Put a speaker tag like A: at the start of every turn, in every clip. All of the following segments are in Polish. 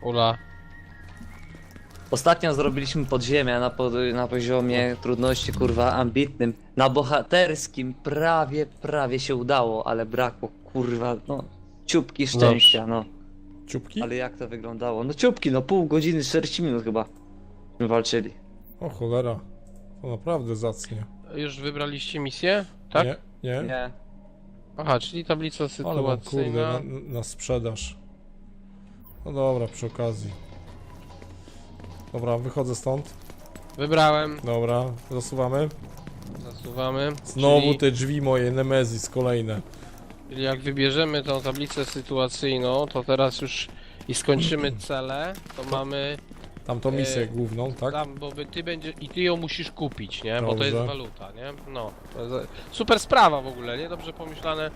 A: Ula.
B: Ostatnio zrobiliśmy podziemia na poziomie trudności kurwa ambitnym. Na bohaterskim prawie się udało, ale brakło kurwa no ciupki szczęścia no.
C: Ciupki?
B: Ale jak to wyglądało? No ciupki, no pół godziny, 40 minut chyba walczyli.
C: O cholera. To naprawdę zacnie.
A: Już wybraliście misję? Tak?
C: Nie, nie.
B: Nie.
A: Aha, czyli tablica
C: Ale mam kurde
A: sytuacyjna.
C: na sprzedaż. No dobra, przy okazji. Dobra, wychodzę stąd.
A: Wybrałem.
C: Dobra, zasuwamy.
A: Zasuwamy.
C: Znowu te drzwi moje, Nemezis kolejne.
A: Czyli jak wybierzemy tą tablicę sytuacyjną, to teraz już i skończymy cele, to mamy
C: Tamtą misję główną, tak?
A: tam, bo ty będziesz i ty ją musisz kupić, nie? Bo to
C: Dobrze.
A: jest waluta, nie? No. To jest super sprawa w ogóle, nie? Dobrze pomyślane.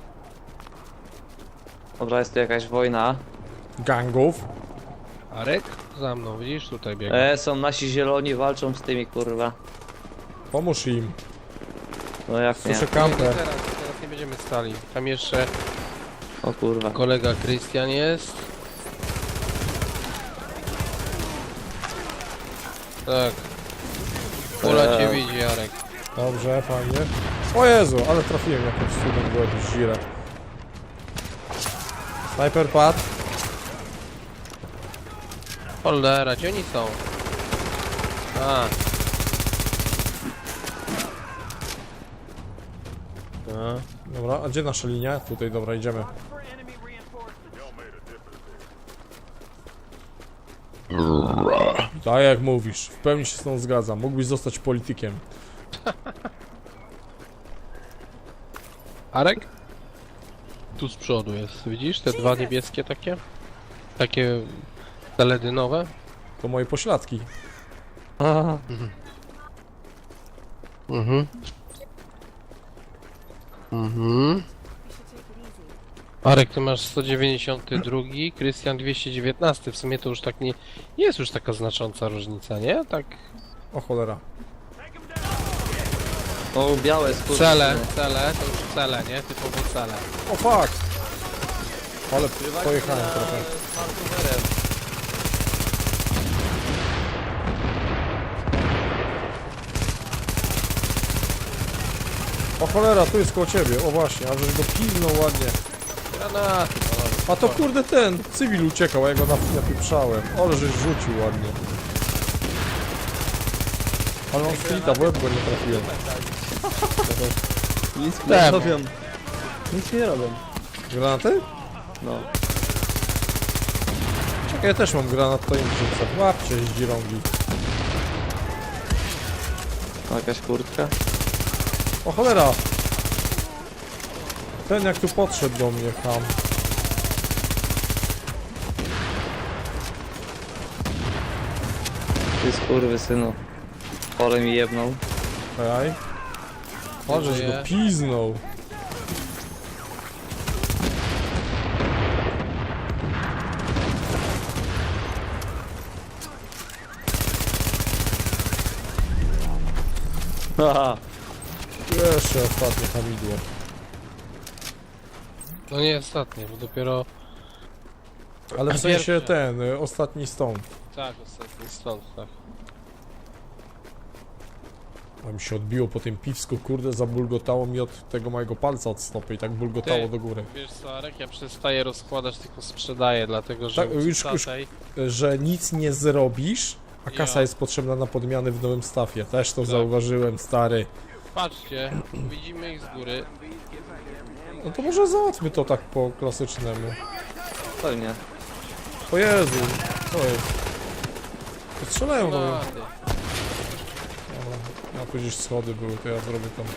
B: Dobra, jest tu jakaś wojna.
C: Gangów.
A: Arek? Za mną, widzisz? Tutaj biegnie.
B: Są nasi zieloni, walczą z tymi kurwa.
C: Pomóż im.
B: No jak nie?
C: Słyszę
A: Nie,
C: kampę.
A: teraz nie będziemy stali. Tam jeszcze
B: O kurwa.
A: kolega Krystian jest. Tak. Ula cię widzi, Jarek.
C: Dobrze, fajnie. O Jezu, ale trafiłem jakimś cudem w łeb z Zira. Sniper padł.
A: Cholera, gdzie oni są? A.
C: Dobra, a gdzie nasza linia? Tutaj, dobra, idziemy. Tak jak mówisz, w pełni się z tą zgadzam. Mógłbyś zostać politykiem.
A: Arek? Tu z przodu jest, widzisz? Te dwa niebieskie takie? Takie teledynowe?
C: To moje pośladki.
A: Mhm. Mhm. Arek, ty masz 192, Krystian 219. W sumie to już tak nie jest już taka znacząca różnica, nie? Tak.
C: O cholera.
B: O białe skurwy.
A: Cele, to już cele, nie? Typowo cele.
C: O fuck! Ale pojechałem trochę. O cholera, tu jest koło ciebie. O właśnie, a żeś go pilnął ładnie.
A: Granaty.
C: A to kurde ten, cywil uciekał, a ja go napieprzałem. Ale żeś rzucił ładnie. Ale on splita, w łeb go nie trafiłem.
B: Nic nie robią. Nic nie robią.
C: Granaty?
B: No.
C: Czekaj, ja też mam granat, to im rzucę. Łapcie z dzirągi.
B: Jakaś kurtka.
C: O cholera! Ten jak tu podszedł do mnie tam.
B: Ty skurwy synu. Pole mi jebnął.
C: Czekaj. O, żeś go piznął.
B: Haha.
C: Jeszcze ostatnie hamidło.
A: No nie ostatnie, bo dopiero...
C: Ale w sensie
A: Pierwsze.
C: ten, ostatni stąd.
A: Tak, ostatni stąd, tak.
C: A mi się odbiło po tym piwsku, kurde, zabulgotało mi od tego mojego palca od stopy i tak bulgotało
A: Ty.
C: do góry.
A: Wiesz co, Arek, ja przestaję rozkładać, tylko sprzedaję, dlatego że
C: Tak, już-
A: tamtej-
C: Że nic nie zrobisz, a kasa
A: Ja.
C: jest potrzebna na podmiany w nowym stafie. Też to
A: Tak.
C: zauważyłem, stary.
A: Patrzcie, widzimy ich z góry.
C: No to może załatwmy to tak po klasycznemu.
B: Pewnie.
C: O Jezu, co jest? To strzelają do mnie.
A: Granaty.
C: Dobra, ja tu gdzieś schody były, to ja zrobię tam.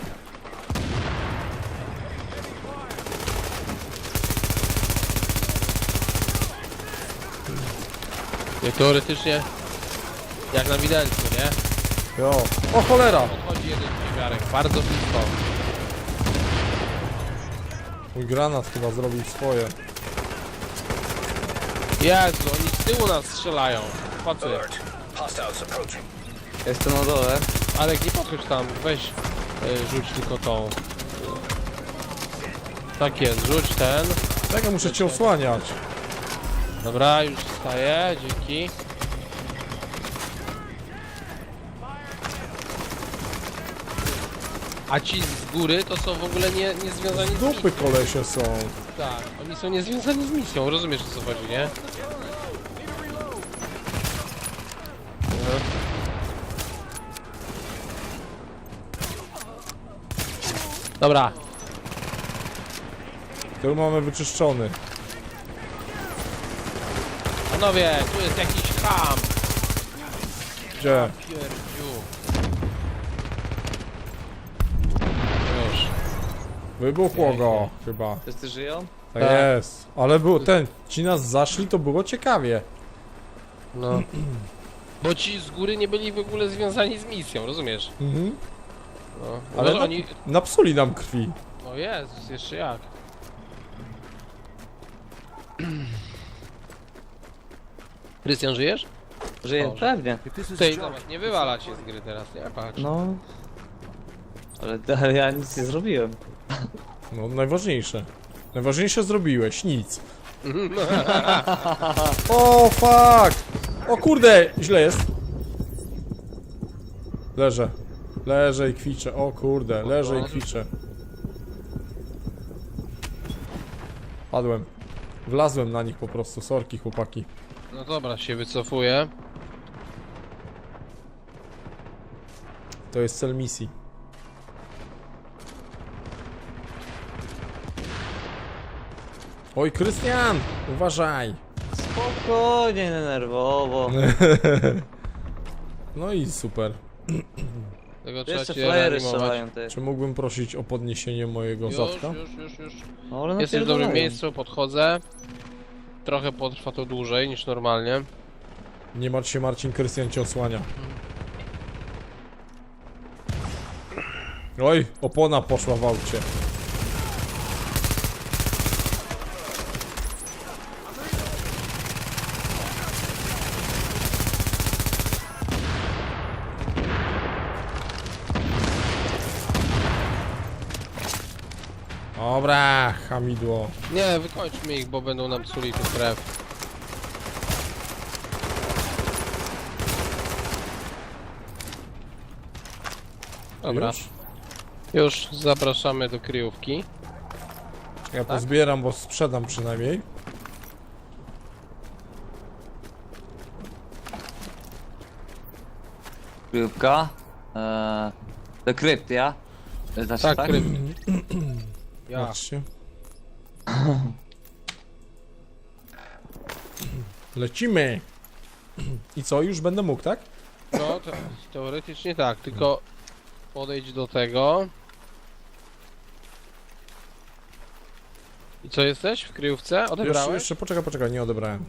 A: Nie, teoretycznie jak na widelcu, nie?
C: Jo. O cholera!
A: Podchodzi jeden niewiarek, bardzo blisko.
C: Mój granat chyba zrobił swoje.
A: Jezu, oni z tyłu nas strzelają. Patrzcie.
B: Jestem na dole.
A: Arek, nie podchodź tam, weź rzuć tylko tą. Tak jest, rzuć ten.
C: Tak, ja muszę cię osłaniać.
A: Dobra, już wstaję, dzięki. A ci z góry to są w ogóle nie związani z misją.
C: Dupy kolesie są.
A: Tak, oni są niezwiązani z misją, rozumiesz o co chodzi, nie? Dobra,
C: Tył mamy wyczyszczony.
A: panowie, tu jest jakiś ham.
C: Gdzie?
A: Pierdziu. Już.
C: Wybuchło go chyba.
B: Wszyscy żyją?
C: Tak
A: Tak.
C: jest. Ale było ci nas zaszli, to było ciekawie.
A: No. Bo ci z góry nie byli w ogóle związani z misją, rozumiesz?
C: Mhm.
A: No.
C: Ale
A: Ale oni...
C: napsuli nam krwi.
A: No jest, jeszcze jak. Krystian, żyjesz?
B: Żyją,
A: Boże.
B: pewnie.
A: Tej, zobacz, nie wywala cię z gry teraz, nie? Patrz.
B: No. Ale ja nic nie zrobiłem.
C: No najważniejsze. Najważniejsze zrobiłeś, nic. O fuck! O kurde, źle jest. Leżę. Leżę i kwiczę. O kurde, leżę i kwiczę. Padłem. Wlazłem na nich po prostu, sorki chłopaki.
A: No dobra, się wycofuję.
C: To jest cel misji. Oj, Krystian! Uważaj!
B: Spokojnie, nerwowo.
C: No i super.
A: Tego trzeba
B: Jeszcze
A: cię
B: flajery
A: reanimować.
B: strzelają te.
C: Czy mógłbym prosić o podniesienie mojego zadka?
A: Już.
B: No, ale
A: Jesteś w dobrym
B: napierdalają.
A: miejscu, podchodzę. Trochę potrwa to dłużej niż normalnie.
C: Nie martw się, Marcin, Krystian cię osłania. Oj, opona poszła w aucie. Dobra, hamidło.
A: Nie, wykończmy ich, bo będą nam psuli tu krew. Dobra,
C: Już?
A: już zapraszamy do kryjówki.
C: Ja pozbieram, bo sprzedam przynajmniej.
B: Krypka. Do krypty, ja? Znaczy,
A: Tak,
B: tak?
A: kryp. Ja.
C: Patrzcie. Lecimy. I co, już będę mógł, tak?
A: No, teoretycznie tak, tylko podejdź do tego. I co, jesteś w kryjówce? Odebrałeś?
C: Jeszcze poczekaj, nie odebrałem.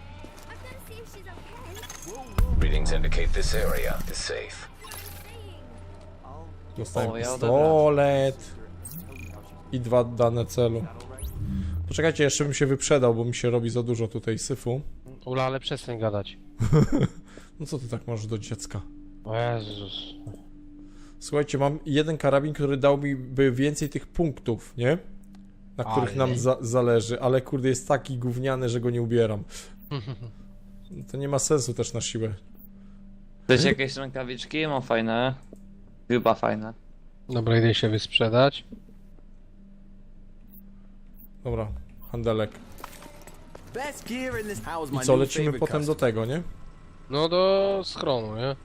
D: Readings indicate this area is safe.
C: Dostałem
B: O, ja
C: pistolet. I 2 dane celu. Poczekajcie, jeszcze bym się wyprzedał, bo mi się robi za dużo tutaj syfu.
A: Ula, ale przestań gadać.
C: No co ty tak masz do dziecka?
A: O Jezus.
C: Słuchajcie, mam jeden karabin, który dał mi by więcej tych punktów, nie? Na których
A: Ale.
C: nam zależy, ale kurde jest taki gówniany, że go nie ubieram. To nie ma sensu też na siłę.
B: Chcecie jakieś rękawiczki? Mam fajne. Chyba fajne.
A: Dobra, idę się wysprzedać.
C: Dobra, handelek.
E: Best gear in this house, my
C: I co,
E: new
C: lecimy
E: favorite
C: potem do tego, nie?
A: No do schronu, nie?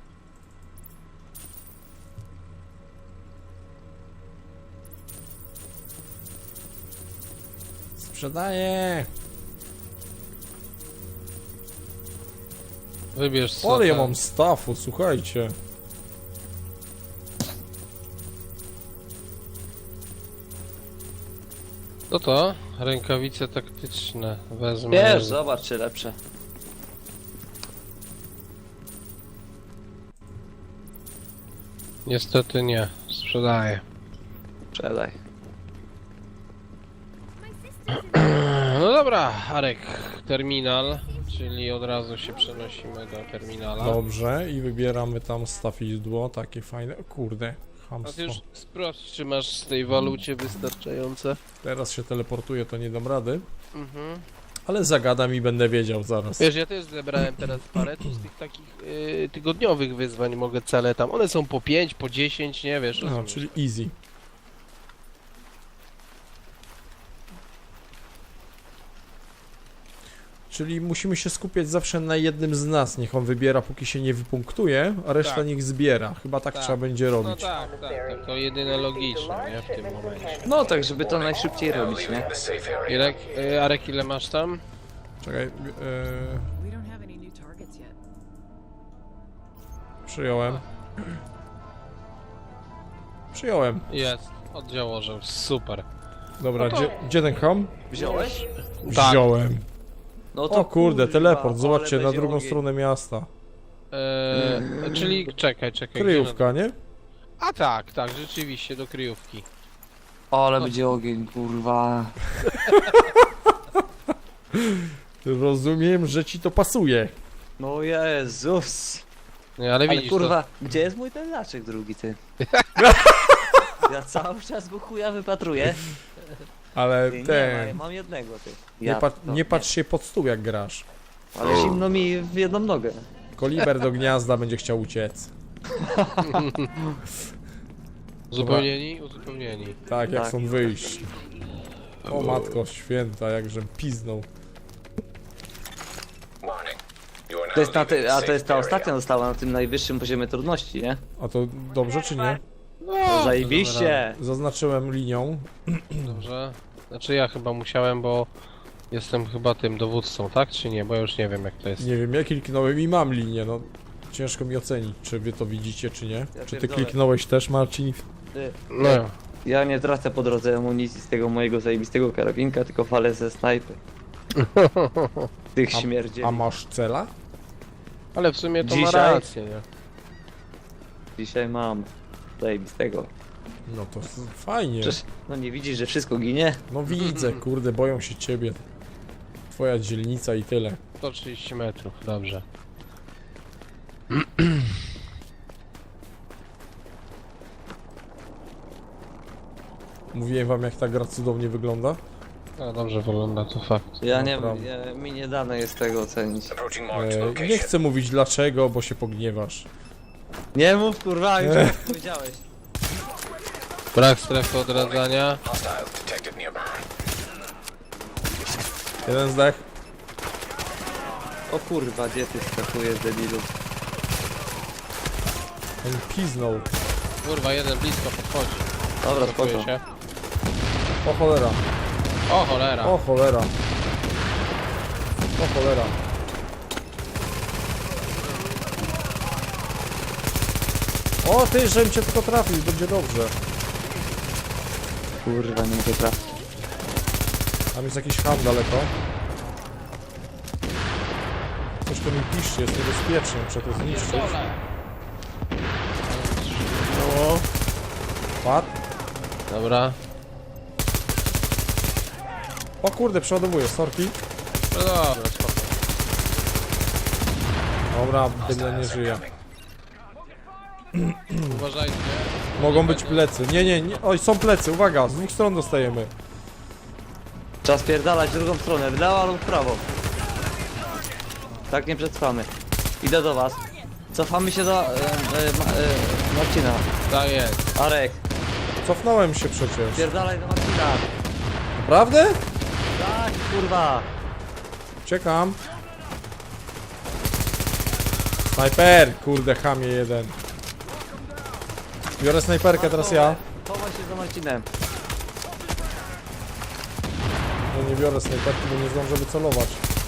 C: Sprzedaję!
A: Wybierz co
C: Ale ja
A: tam.
C: mam staffu, słuchajcie.
A: To? Rękawice taktyczne. Wezmę.
B: Wiesz, zobacz czy lepsze.
A: Niestety nie. Sprzedaję.
B: Sprzedaj.
A: No dobra, Arek. Terminal. Czyli od razu się przenosimy do terminala.
C: Dobrze, i wybieramy tam stafidło, takie fajne. O kurde,
A: A ty
C: chamstwo.
A: już sprawdź, czy masz z tej walucie wystarczające.
C: Teraz się teleportuję, to nie dam rady.
A: Mhm.
C: Ale zagadam i będę wiedział zaraz.
A: Wiesz, ja też zebrałem teraz parę tu z tych takich tygodniowych wyzwań, mogę cele tam. One są po 5, po 10, nie wiesz.
C: No,
A: rozumiesz.
C: czyli easy. Czyli musimy się skupiać zawsze na jednym z nas. Niech on wybiera, póki się nie wypunktuje, a reszta
A: Tak.
C: niech zbiera. Chyba tak
A: Tak.
C: trzeba będzie
A: No
C: robić.
A: tak, to jedyne logiczne, nie, w tym momencie.
B: No tak, żeby to najszybciej
D: Now
B: robić,
D: leaving
B: nie?
D: the safe area.
A: Irek, Arek, ile masz tam?
C: Czekaj,
F: We don't have any new targets yet.
C: przyjąłem. Przyjąłem.
A: Jest, oddział orzeł, super.
C: Dobra,
A: No to-
C: gdzie ten ham?
B: Wziąłeś?
A: Tak.
C: Wziąłem.
B: No
C: O kurde,
B: kurwa,
C: teleport,
B: ale
C: zobaczcie, na
B: będzie
C: drugą
B: ogień.
C: stronę miasta.
A: Czyli czekaj. gdzie
C: Kryjówka, nie?
A: A tak, rzeczywiście, do kryjówki.
B: Ale będzie ogień, kurwa.
C: Rozumiem, że ci to pasuje.
B: No Jezus.
A: Nie, ale
B: Ale
A: widzisz,
B: kurwa, gdzie jest mój ten laczek drugi, ty? Ja cały czas go chuja wypatruję.
C: Ale
B: Ty, nie ma,
C: ten...
B: ja mam jednego, ty.
C: Nie patrz się pod stół, jak grasz.
B: Ale zimno mi w jedną nogę.
C: Koliber do gniazda będzie chciał uciec.
A: uzupełnieni.
C: Tak, jak
B: Tak.
C: są wyjść. O matko święta, jakżem piznął.
D: Warning. You are now
B: To jest na
D: leaving the
B: a to
D: safe
B: jest ta
D: area.
B: ostatnia została na tym najwyższym poziomie trudności, nie?
C: A to dobrze czy nie?
B: No, zajebiście!
C: Zaznaczyłem linią.
A: Dobrze. Znaczy ja chyba musiałem, bo jestem chyba tym dowódcą, tak? Czy nie? Bo ja już nie wiem jak to jest.
C: Nie wiem, ja kliknąłem i mam linię, no. Ciężko mi ocenić, czy wy to widzicie, czy nie. Czy ty
B: pierdolę.
C: kliknąłeś też, Marcin?
B: Ty,
A: No.
B: ja nie tracę po drodze amunicji z tego mojego zajebistego karabinka, tylko falę ze snajpy. Tych śmierdzieli.
C: A masz cela?
A: Ale w sumie to ma
B: Dzisiaj?
A: rację, nie?
B: Dzisiaj mam zajebistego.
C: No to fajnie.
B: Przecież, no nie widzisz, że wszystko ginie?
C: No widzę, kurde, boją się ciebie. Twoja dzielnica i tyle.
A: 130 metrów, dobrze.
C: Mówiłem wam, jak ta gra cudownie wygląda?
A: No dobrze wygląda, to fakt.
B: Ja nie
C: Naprawdę.
B: mi nie dane jest tego ocenić.
D: Approaching marked
C: Nie
D: location.
C: chcę mówić dlaczego, bo się pogniewasz.
B: Nie mów kurwa, już powiedziałeś.
A: Brak strefy odradzania.
D: Hostiles detected nearby.
C: Jeden zdech.
B: O kurwa, gdzie ty skakujesz, debilu?
C: On piznął.
A: Kurwa, jeden blisko podchodzi.
B: Dobra,
A: Blokuje
B: spoko.
A: się.
C: O cholera.
A: O cholera.
C: O cholera. O cholera. O ty, żebym cię tylko trafił, będzie dobrze.
B: Kurwa, nie mogę trafić.
C: Tam jest jakiś ham daleko. Coś tu mi piszcie, jest niebezpiecznie, muszę to zniszczyć.
A: No.
C: Padł.
A: Dobra.
C: O kurde, przeładowuję, sorki.
A: No dobra, spoko.
C: Dobra, byle nie żyje.
A: Uważajcie.
C: Mogą być plecy. Nie. Oj, są plecy, uwaga, z dwóch stron dostajemy.
B: Trzeba spierdalać w drugą stronę, w lewo lub w prawo. Tak nie przetrwamy. Idę do was. Cofamy się do Marcina.
A: Tak jest.
B: Arek,
C: Cofnąłem się przecież.
B: spierdalaj do Marcina.
C: Naprawdę?
B: Tak, kurwa.
C: Czekam. Snajper! Kurde, chamie jeden. Biorę snajperkę, teraz ja.
B: Chowaj się za Marcinem.
C: No nie biorę snajperki, bo nie zdążę wycelować.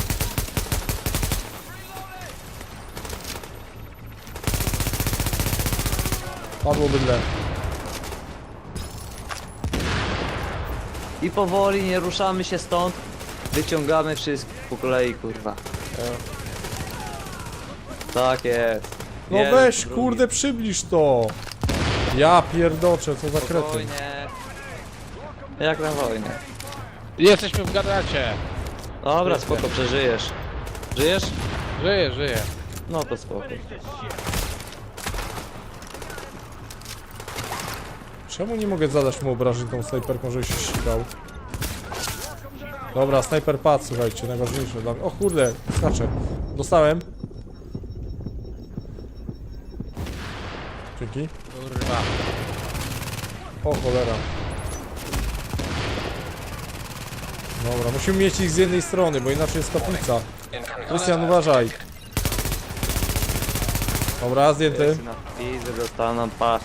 C: Padło bydle.
B: I powoli nie ruszamy się stąd. Wyciągamy wszystko po kolei, kurwa. Tak jest.
C: No
B: Jeden,
C: weź,
B: drugi.
C: kurde, przybliż to. Ja pierdoczę, co za kretyn.
B: Spokojnie. Jak na wojnie.
A: Jesteśmy w gadacie.
B: Dobra, spoko, przeżyjesz. Żyjesz?
A: Żyję.
B: No to spoko.
C: Czemu nie mogę zadać mu obrażeń tą snajperką, żeby się ścigał? Dobra, snajper padł, słuchajcie, najważniejsze dla mnie. O kurde, skaczę. Dostałem. Dzięki.
A: Kurwa.
C: O cholera. Dobra, musimy mieć ich z jednej strony, bo inaczej jest kaplica. Krystian, uważaj. Dobra, zdjęty.
B: Na pizdę dostaną, patrz.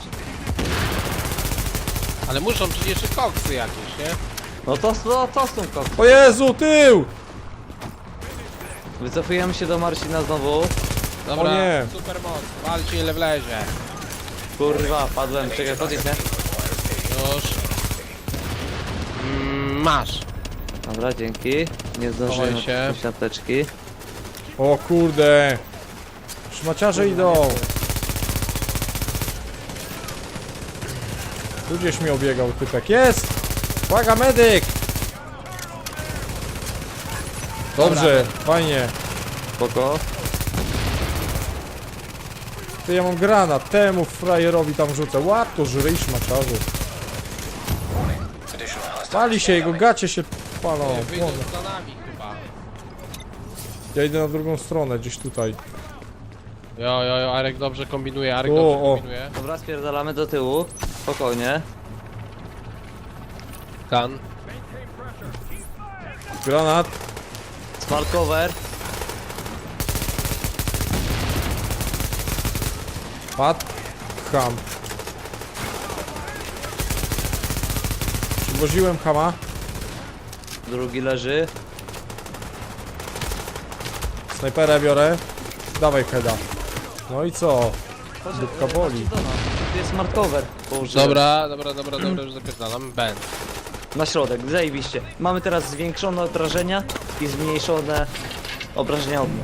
A: Ale muszą przecież jeszcze koksy jakieś, nie?
B: No to są koks.
C: O Jezu, tył!
B: Wycofujemy się do Marcina znowu.
A: Dobra,
C: O nie.
A: super moc, walcie ile wlezie.
B: Kurwa, padłem, czekaj, chodź, nie?
A: Już. Masz.
B: Dobra, dzięki. Nie zdążyłem
A: Chowaj się.
B: odpuścić apteczki.
C: O kurde. Szmaciarze idą. Tu gdzieś mi obiegał typek. Jest! Uwaga, medyk! Dobrze, fajnie.
B: Spoko.
C: Ty, ja mam granat. Temu frajerowi tam rzucę. Łap to, żryj szmaciarzu.
D: Additional hostile.
C: Pali się, jego gacie się palą.
A: Wyjdą
C: Płoną.
A: za nami chyba.
C: Ja idę na drugą stronę, gdzieś tutaj.
A: Jo, Arek dobrze kombinuje, Arek
C: O,
A: dobrze
C: o.
A: kombinuje.
B: Dobra, spierdalamy do tyłu. Spokojnie.
A: Kan.
C: Granat.
B: Smart cover.
C: Pad. Ham. Przywoziłem hama.
B: Drugi leży.
C: Snajperę biorę. Dawaj heada. No i co? Dupka boli.
B: Tu jest smart cover. Położyłem.
A: Dobra, już zapierdalam. Ben.
B: Na środek, zajebiście. Mamy teraz zwiększone obrażenia i zmniejszone obrażenia ognia.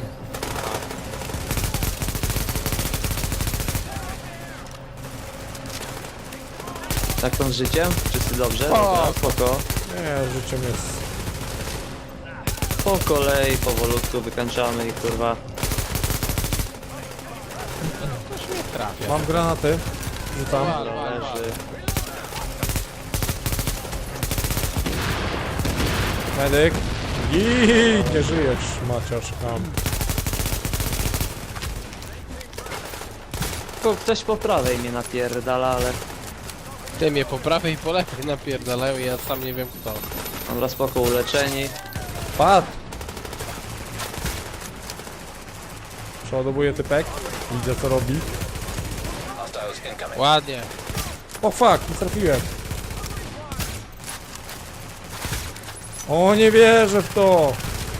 B: Tak to z życiem? Wszyscy dobrze? Dobra, spoko.
C: Nie, życiem jest.
B: Po kolei, powolutku wykańczamy ich, kurwa.
A: Trafia.
C: Mam granaty. Rzucam.
B: Leży.
C: Medyk. I nie żyjesz, maciarz ham.
B: Tylko ktoś po prawej mnie napierdala, ale...
A: Ty mnie po prawej i po lewej napierdalają i ja sam nie wiem kto.
B: Dobra, spoko, uleczeni.
C: Padł. Przeładowuję typek. Widzę co robi.
D: Hostiles incoming.
A: Ładnie.
C: O fuck, nie trafiłem. O, nie wierzę w to.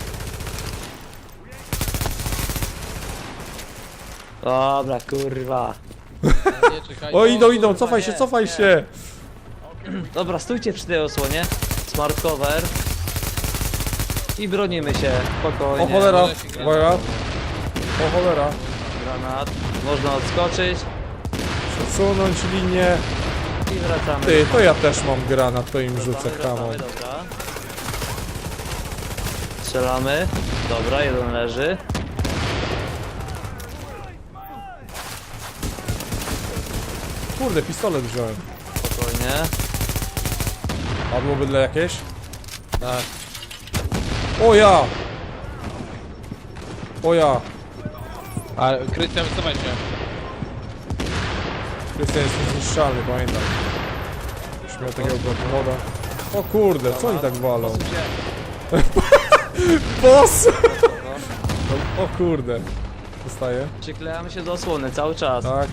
B: Dobra, kurwa.
A: Nie, czekaj.
C: O, idą,
B: kurwa,
C: cofaj
B: nie,
C: się, cofaj
B: nie.
C: się.
B: Dobra, stójcie przy tej osłonie. Smart cover. I bronimy się, spokojnie.
C: O cholera, uwaga. O cholera.
B: Granat. Można odskoczyć
C: Przesunąć linię.
B: i wracamy.
C: Ty, to ja też mam granat, to im rzucę
B: Wracamy,
C: hamą.
B: dobra. Strzelamy. Dobra, jeden leży.
C: Kurde, pistolet wziąłem.
B: Spokojnie.
C: Padło bydle jakieś?
A: Tak.
C: O ja! O ja!
A: A Krystian, wycofaj się.
C: Krystian jest niezniszczalny, pamiętaj. Już miał takiego woda. O kurde, co oni tak walą? Boss! O kurde. Zostaje?
B: Przyklejamy się do osłony cały czas.
C: Tak.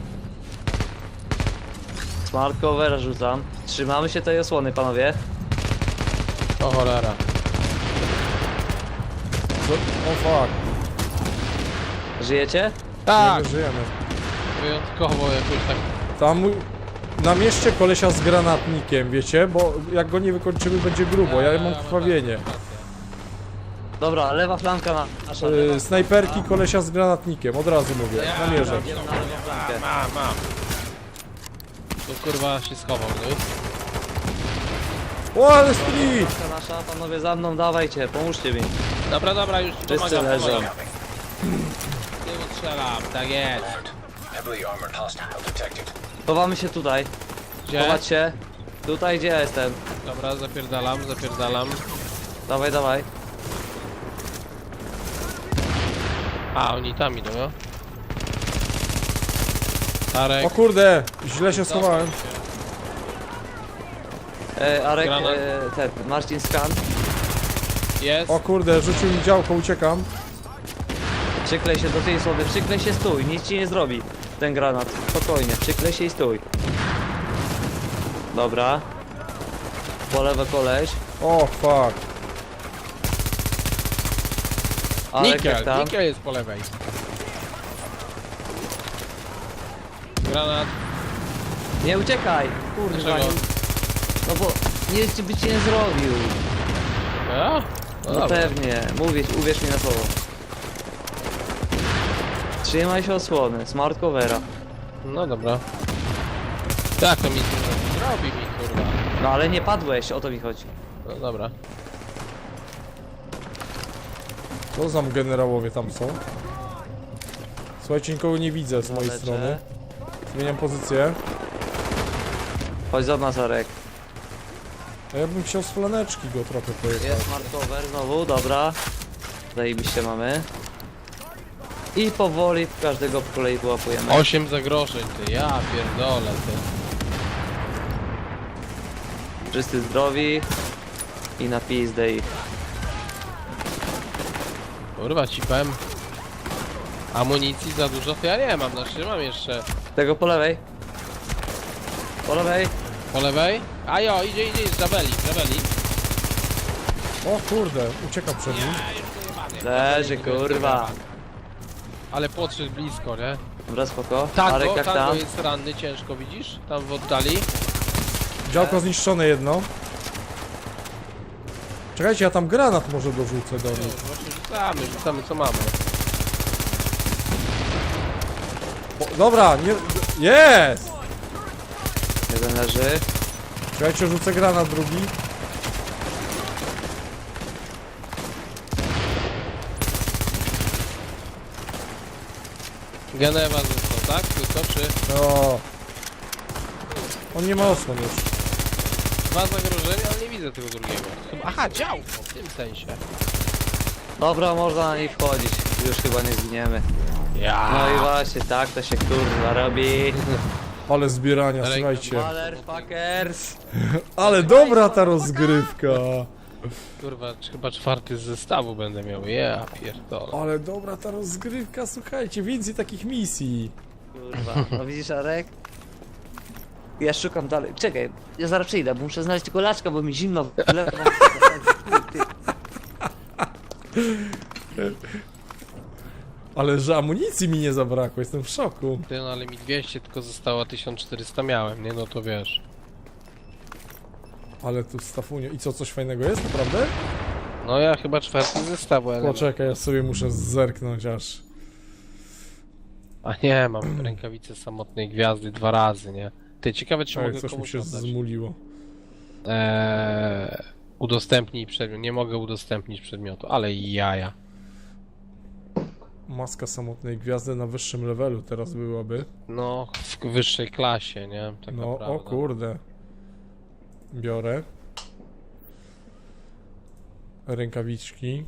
B: Smart cover rzucam. Trzymamy się tej osłony, panowie.
A: O cholera.
C: O fuck.
B: Żyjecie?
A: Tak,
C: Nie żyjemy.
A: wyjątkowo jakoś tak.
C: Tam na mieście kolesia z granatnikiem, wiecie? Bo jak go nie wykończymy, będzie grubo. Ja mam krwawienie.
B: Dobra, lewa flanka nasza.
C: Snajperki kolesia z granatnikiem, od razu mówię. Namierzę.
B: Idziemy na lewą flankę.
A: Mam. Tu kurwa się schował, no.
C: O, ale street!
B: Flanka nasza, panowie za mną, dawajcie, pomóżcie mi.
A: Dobra, już ci
B: Wszyscy
A: pomagam,
B: leżą.
A: pomagam. Tyłu strzelam, tak jest.
D: Heavily armored hostile detected.
B: Chowamy się tutaj.
A: Gdzie?
B: Chować się. Tutaj, gdzie ja jestem.
A: Dobra, zapierdalam.
B: Dawaj, dawaj.
A: A, oni tam idą, no? Tarek.
C: O kurde, źle się schowałem.
B: Arek,
A: Granat.
B: ten, Marcin skan.
A: Jest.
C: O kurde, rzucił mi działko, uciekam.
B: Przyklej się do tej osoby, przyklej się, stój, nic ci nie zrobi. Ten granat, spokojnie, przyklej się i stój. Dobra. Po lewo koleś.
C: O fuck.
B: Arek, jak
A: Nikel,
B: tam?
A: Nikel jest po lewej. Granat.
B: Nie uciekaj! Kurwa,
A: Dlaczego?
B: no bo nic by ci nie zrobił.
A: Ja? No
B: No
A: dobra.
B: pewnie, uwierz mi na słowo. Trzymaj się osłony, smart covera.
A: No dobra. Tak, to mi zrobi mi, kurwa.
B: No ale nie padłeś, o to mi chodzi.
A: No dobra.
C: Co za generałowie tam są? Słuchajcie, nikogo nie widzę z mojej
B: Leczę.
C: strony. Zmieniam pozycję.
B: Chodź za nas, Arek.
C: A ja bym chciał z flaneczki go trochę pojechać.
B: Jest smart cover znowu, dobra. Zajebiście mamy. I powoli każdego po kolei wyłapujemy.
A: 8 zagrożeń, ty. Ja pierdolę, ty.
B: Wszyscy zdrowi. I na pizdę ich.
A: Kurwa, ci powiem. Amunicji za dużo to ja nie mam, znaczy mam jeszcze.
B: Tego po lewej. Po lewej.
A: Po lewej? A jo, idzie, Zabeli.
C: O kurde, uciekam przed nim.
B: Leży, kurwa.
A: Ale podszedł blisko, nie?
B: Dobra, spoko.
A: Tango,
B: Arek, jak
A: Tango
B: tam?
A: jest ranny, ciężko, widzisz? Tam w oddali.
C: Działko zniszczone jedno. Czekajcie, ja tam granat może dorzucę do nich.
A: Właśnie rzucamy co mamy.
C: O, dobra, nie... Jest!
B: Jeden leży.
C: Czekajcie, rzucę granat drugi.
A: Genewa został, tak? Tylko czy
C: O. On nie ma osłon już.
A: 2 zagrożenia, ale nie widzę tego drugiego. Aha, działko, w tym sensie.
B: Dobra, można na nich wchodzić. Już chyba nie zginiemy.
A: Ja.
B: No i właśnie, tak to się kurwa robi.
C: Ale zbierania,
A: Ale-
C: słuchajcie.
B: Motherfuckers.
C: Ale dobra ta rozgrywka.
A: Kurwa, chyba 4 z zestawu będę miał. Ja pierdolę.
C: Ale dobra ta rozgrywka, słuchajcie, więcej takich misji.
B: Kurwa, no widzisz, Arek? Ja szukam dalej. Czekaj, ja zaraz przyjdę, bo muszę znaleźć tylko laczka, bo mi zimno w lewo.
C: Ale że amunicji mi nie zabrakło, jestem w szoku.
A: Ty, no ale mi 200 tylko zostało, a 1400 miałem, nie? No to wiesz.
C: Ale tu stafunio. I co, coś fajnego jest, naprawdę?
A: No ja chyba 4 z zestawu, ale...
C: Poczekaj, ja sobie muszę zerknąć aż.
A: A nie, mam rękawice samotnej gwiazdy 2 razy, nie? Ty, ciekawe czy
C: Ej,
A: mogę
C: coś mi
A: komuś
C: się
A: oddać.
C: zmuliło.
A: Udostępnij przedmiot. Nie mogę udostępnić przedmiotu, ale jaja.
C: Maska samotnej gwiazdy na wyższym levelu teraz byłaby.
A: No, w wyższej klasie, nie? Tak
C: No,
A: naprawdę.
C: o kurde. Biorę. Rękawiczki.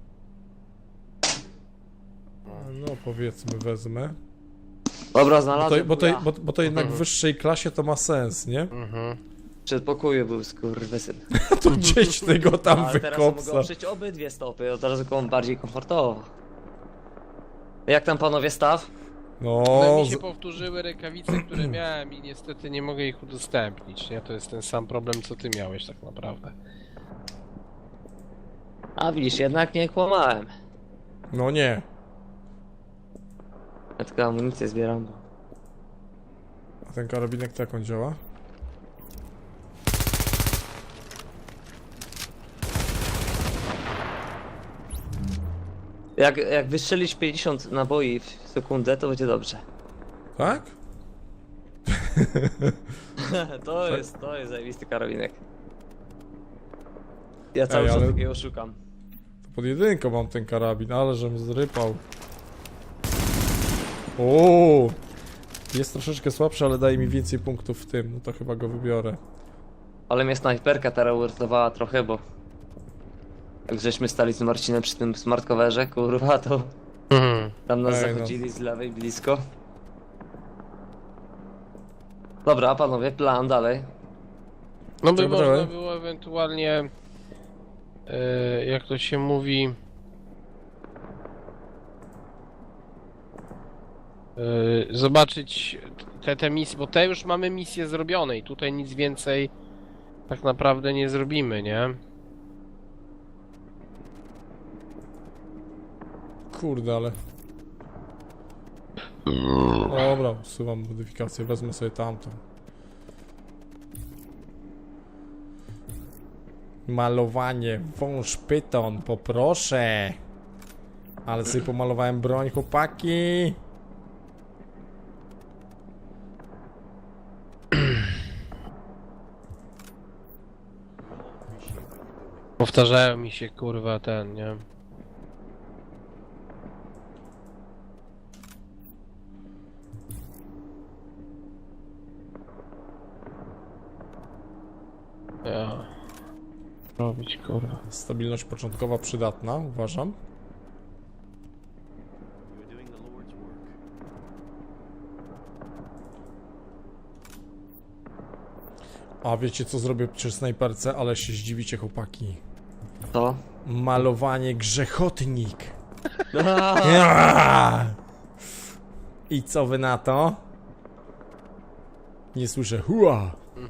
C: No, powiedzmy, wezmę.
B: Dobra,
C: Bo
B: znalazłem.
C: to, bo to,
B: Ja.
C: bo to jednak w wyższej klasie to ma sens, nie?
A: Mhm.
B: W przedpokoju był skurwysyn.
C: To gdzieś tego tam
B: Ale teraz mogę
C: wykopsa.
B: oprzeć obydwie stopy, od razu bardziej komfortowo. Jak tam panowie staw?
C: No,
A: No mi się powtórzyły rękawice, które miałem i niestety nie mogę ich udostępnić, nie? To jest ten sam problem, co ty miałeś tak naprawdę.
B: A widzisz, jednak nie kłamałem.
C: no nie.
B: Ja tylko amunicję zbieram.
C: A ten karabinek tak on działa?
B: Jak wystrzelisz 50 naboi w sekundę, to będzie dobrze.
C: Tak?
B: To jest zajebisty karabinek. Ja cały
C: Ej,
B: czas
C: ale-
B: takiego szukam.
C: To pod jedynką mam ten karabin, ale żem zrypał. O, jest troszeczkę słabszy, ale daje mi więcej punktów w tym, no to chyba go wybiorę.
B: Ale mnie snajperka teraz uratowała trochę, bo Jak żeśmy stali z Marcinem przy tym smartcoverze, kurwa, to tam nas
C: Ej, no.
B: zachodzili z lewej blisko. Dobra, a panowie, plan dalej.
A: No by
C: Dobra,
A: można
C: dobra.
A: było ewentualnie, jak to się mówi, zobaczyć te misje, bo te już mamy misje zrobione i tutaj nic więcej tak naprawdę nie zrobimy, nie?
C: Kurde, ale... Dobra, usuwam modyfikację, wezmę sobie tamtą. Malowanie, wąż pyton, poproszę. Ale sobie pomalowałem broń, chłopaki.
A: Powtarzają mi się kurwa ten, nie? Ja. Robić kurwa.
C: Stabilność początkowa przydatna, uważam. A wiecie co zrobię przy snajperce? Ale się zdziwicie, chłopaki.
B: To?
C: Malowanie grzechotnik. Ja! I co wy na to? Nie słyszę hua.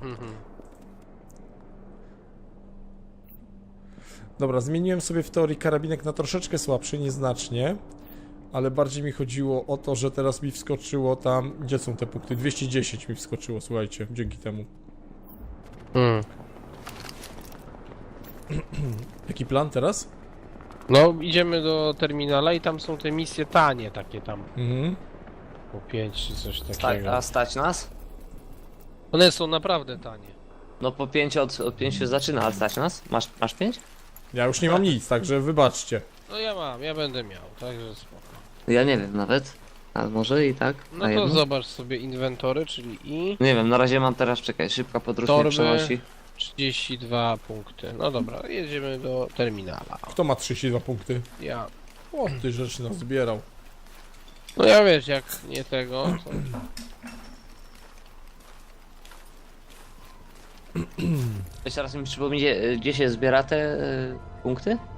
C: Dobra, zmieniłem sobie w teorii karabinek na troszeczkę słabszy, nieznacznie. Ale bardziej mi chodziło o to, że teraz mi wskoczyło tam... Gdzie są te punkty? 210 mi wskoczyło, słuchajcie, dzięki temu. Jaki plan teraz?
A: No idziemy do terminala i tam są te misje tanie takie tam.
C: Mhm.
A: Po 5 czy coś takiego.
B: A stać nas?
A: One są naprawdę tanie.
B: No po 5 od 5 się zaczyna, ale stać nas? Masz 5?
C: Ja już nie mam nic, także wybaczcie.
A: No ja będę miał, także spoko.
B: Ja nie wiem nawet. A może i tak?
A: No
B: na
A: to
B: jedno?
A: zobacz sobie inwentory, czyli i
B: Nie wiem, na razie mam teraz, czekaj, szybka podróż mnie
A: torby
B: przenosi.
A: 32 punkty. No dobra, jedziemy do terminala.
C: Kto ma 32 punkty?
A: Ja.
C: O, ty rzeczy nas zbierał.
A: No ja wiesz, jak nie tego, to...
B: Jeszcze raz mi przypomnijcie, gdzie się zbiera te punkty?